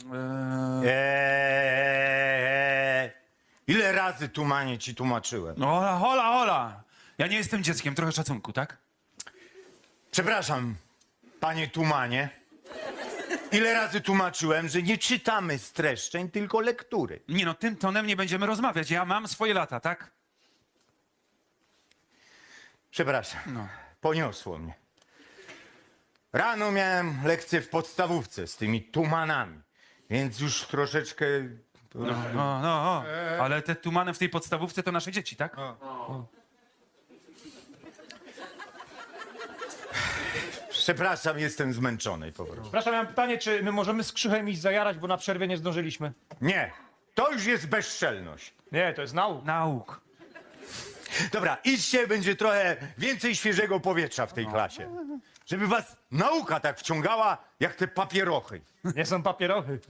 Ile razy Tumanie ci tłumaczyłem? No hola, hola, hola. Ja nie jestem dzieckiem, trochę szacunku, tak? Przepraszam, panie Tumanie. Ile razy tłumaczyłem, że nie czytamy streszczeń, tylko lektury. Nie no, tym tonem nie będziemy rozmawiać. Ja mam swoje lata, tak? Przepraszam, No. poniosło mnie. Rano miałem lekcję w podstawówce z tymi tumanami, więc już troszeczkę... No. Ale te tumany w tej podstawówce to nasze dzieci, tak? Przepraszam, jestem zmęczony po prostu. Przepraszam, ja mam pytanie, czy my możemy z Krzychem iść zajarać, bo na przerwie nie zdążyliśmy? Nie, to już jest bezczelność. Nie, to jest nauk. Nauk. Dobra, idźcie, będzie trochę więcej świeżego powietrza w tej klasie. Żeby was nauka tak wciągała, jak te papierochy. Nie są papierochy.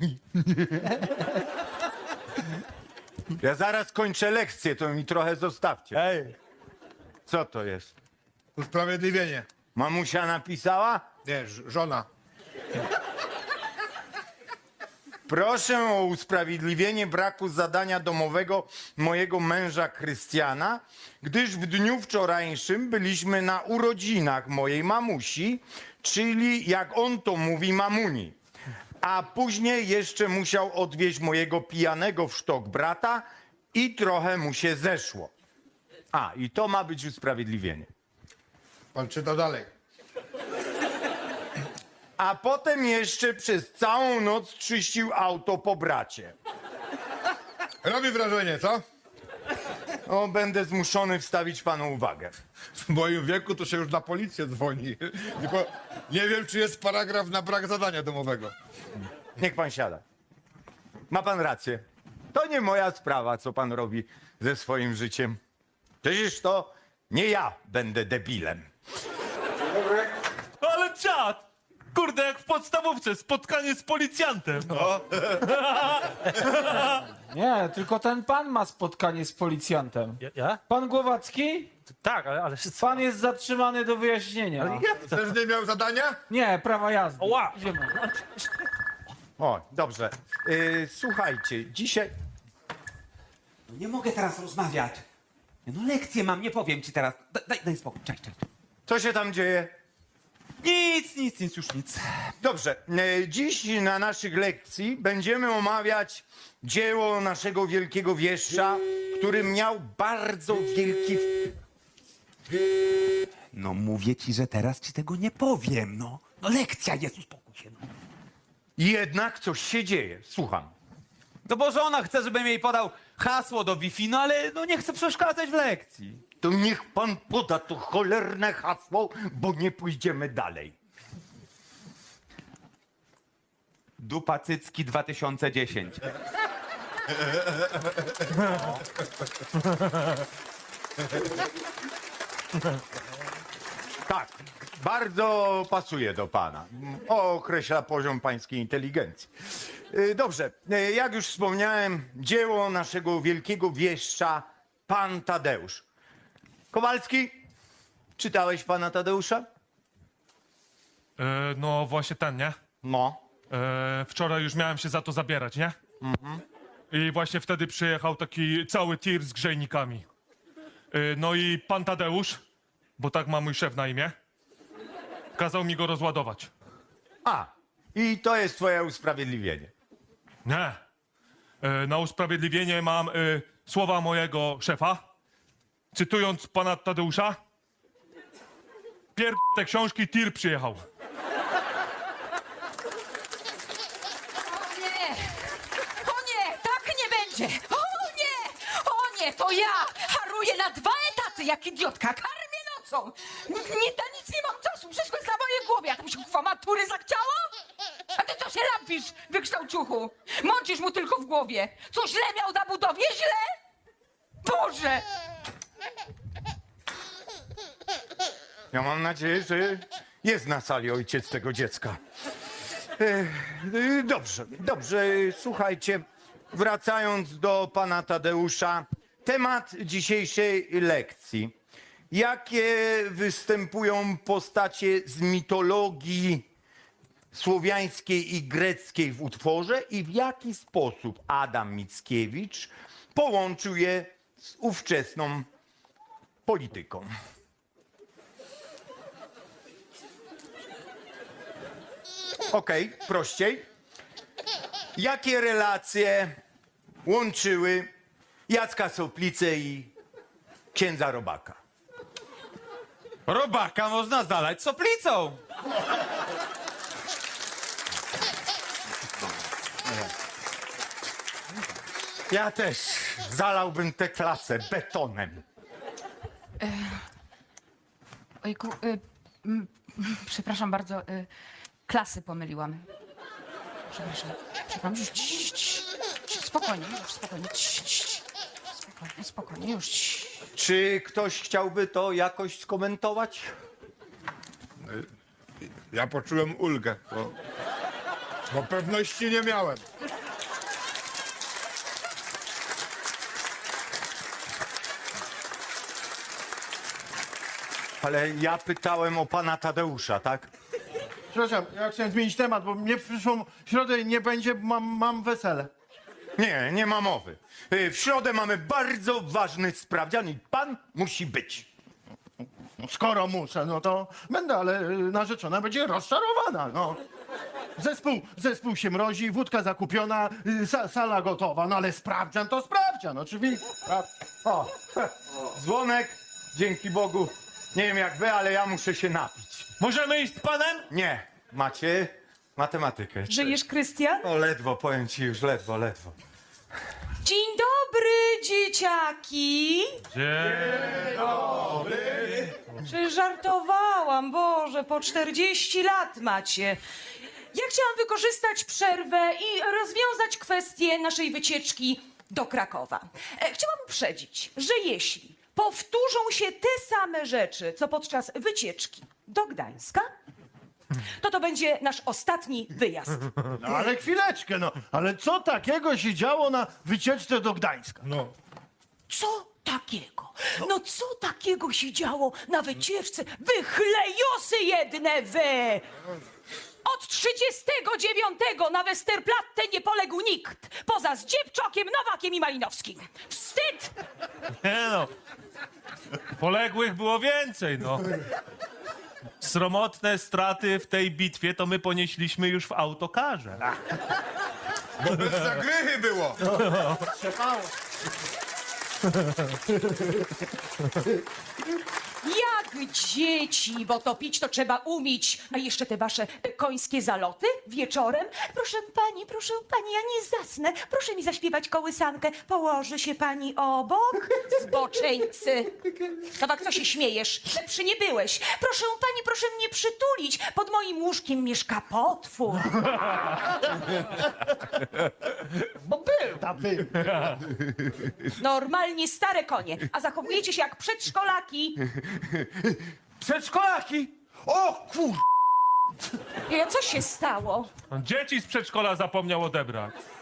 Ja zaraz kończę lekcję, to mi trochę zostawcie. Ej, Co to jest? Usprawiedliwienie. Mamusia napisała? Nie, żona. Proszę o usprawiedliwienie braku zadania domowego mojego męża Krystiana, gdyż w dniu wczorajszym byliśmy na urodzinach mojej mamusi, czyli jak on to mówi, mamuni. A później jeszcze musiał odwieźć mojego pijanego w sztok brata i trochę mu się zeszło. A, i to ma być usprawiedliwienie. Pan czyta dalej. A potem jeszcze przez całą noc czyścił auto po bracie. Robi wrażenie, co? O, będę zmuszony wstawić panu uwagę. W moim wieku to się już na policję dzwoni. Tylko nie wiem, czy jest paragraf na brak zadania domowego. Niech pan siada. Ma pan rację. To nie moja sprawa, co pan robi ze swoim życiem. Przecież to nie ja będę debilem. Ale czad! Kurde, jak w podstawówce, spotkanie z policjantem. Nie, tylko ten pan ma spotkanie z policjantem. ja? Pan Głowacki? Tak, ale... Pan jest zatrzymany do wyjaśnienia. Też nie miał zadania? Nie, prawa jazdy. Ła! Idziemy. O, dobrze. Słuchajcie, dzisiaj... Nie mogę teraz rozmawiać. No lekcję mam, nie powiem ci teraz. Daj spokój, cześć. Co się tam dzieje? Nic, już nic. Dobrze. Dziś na naszych lekcji będziemy omawiać dzieło naszego wielkiego wieszcza, który miał bardzo wielki... No mówię ci, że teraz ci tego nie powiem, no. No lekcja jest, uspokój się, no. Jednak coś się dzieje. Słucham. No bo żona chce, żebym jej podał hasło do Wi-Fi, no ale no nie chcę przeszkadzać w lekcji. To niech pan poda to cholerne hasło, bo nie pójdziemy dalej. Dupa Cycki 2010. Tak, bardzo pasuje do pana. Określa poziom pańskiej inteligencji. Dobrze, jak już wspomniałem, dzieło naszego wielkiego wieszcza, pan Tadeusz. Kowalski, czytałeś pana Tadeusza? No właśnie ten, nie? No. Wczoraj już miałem się za to zabierać, nie? I właśnie wtedy przyjechał taki cały tir z grzejnikami. No i pan Tadeusz, bo tak ma mój szef na imię, kazał mi go rozładować. A, i to jest twoje usprawiedliwienie. Nie. Na usprawiedliwienie mam słowa mojego szefa. Cytując pana Tadeusza. Te książki, tir przyjechał. O nie, tak nie będzie! O nie, to ja haruję na 2 etaty jak idiotka, karmię nocą! Nic nie mam czasu, wszystko jest na mojej głowie, a to mi się kuwa matury zachciało? A ty co się lampisz, wykształciuchu? Mącisz mu tylko w głowie. Co źle miał na budowie? Źle? Boże! Ja mam nadzieję, że jest na sali ojciec tego dziecka. Dobrze, słuchajcie, wracając do pana Tadeusza, temat dzisiejszej lekcji. Jakie występują postacie z mitologii słowiańskiej i greckiej w utworze i w jaki sposób Adam Mickiewicz połączył je z ówczesną polityką? Okej, prościej. Jakie relacje łączyły Jacka Soplicę i księdza Robaka? Robaka można zalać soplicą. Ja też zalałbym tę klasę betonem. Ojku, przepraszam bardzo, klasy pomyliłam. Przepraszam, już spokojnie, spokojnie, już. Czy ktoś chciałby to jakoś skomentować? Ja poczułem ulgę, bo pewności nie miałem. Ale ja pytałem o pana Tadeusza, tak? Przepraszam, ja chciałem zmienić temat, bo mnie w przyszłą środę nie będzie, bo mam wesele. Nie, nie ma mowy. W środę mamy bardzo ważny sprawdzian i pan musi być. Skoro muszę, no to będę, ale narzeczona będzie rozczarowana, no. Zespół się mrozi, wódka zakupiona, sala gotowa, no ale sprawdzian to sprawdzian, oczywiście. O, dzwonek, dzięki Bogu. Nie wiem jak wy, ale ja muszę się napić. Możemy iść z panem? Nie, macie matematykę. Żyjesz, Krystian? O, ledwo, powiem ci już, ledwo. Dzień dobry, dzieciaki! Dzień dobry. Że żartowałam, Boże, po 40 lat macie. Ja chciałam wykorzystać przerwę i rozwiązać kwestię naszej wycieczki do Krakowa. Chciałam uprzedzić, że jeśli powtórzą się te same rzeczy, co podczas wycieczki do Gdańska, to będzie nasz ostatni wyjazd. No ale chwileczkę, no. Ale co takiego się działo na wycieczce do Gdańska? No. Co takiego? No co takiego się działo na wycieczce? Wy chlejosy jedne wy! Od 39 na Westerplatte nie poległ nikt, poza Zdziebczokiem, Nowakiem i Malinowskim. Wstyd! Nie no. Poległych było więcej, no. Sromotne straty w tej bitwie to my ponieśliśmy już w autokarze. Bo bez zagrychy było. Jak dzieci, bo to pić to trzeba umieć. A jeszcze te wasze końskie zaloty wieczorem. Proszę pani, ja nie zasnę. Proszę mi zaśpiewać kołysankę. Położy się pani obok, zboczeńcy. Nowak, co się śmiejesz? Lepszy nie byłeś. Proszę pani, proszę mnie przytulić. Pod moim łóżkiem mieszka potwór. Bo był. Normalnie stare konie, a zachowujecie się jak przedszkolaki. Przedszkolaki! O kur... Co się stało? Dzieci z przedszkola zapomniał odebrać.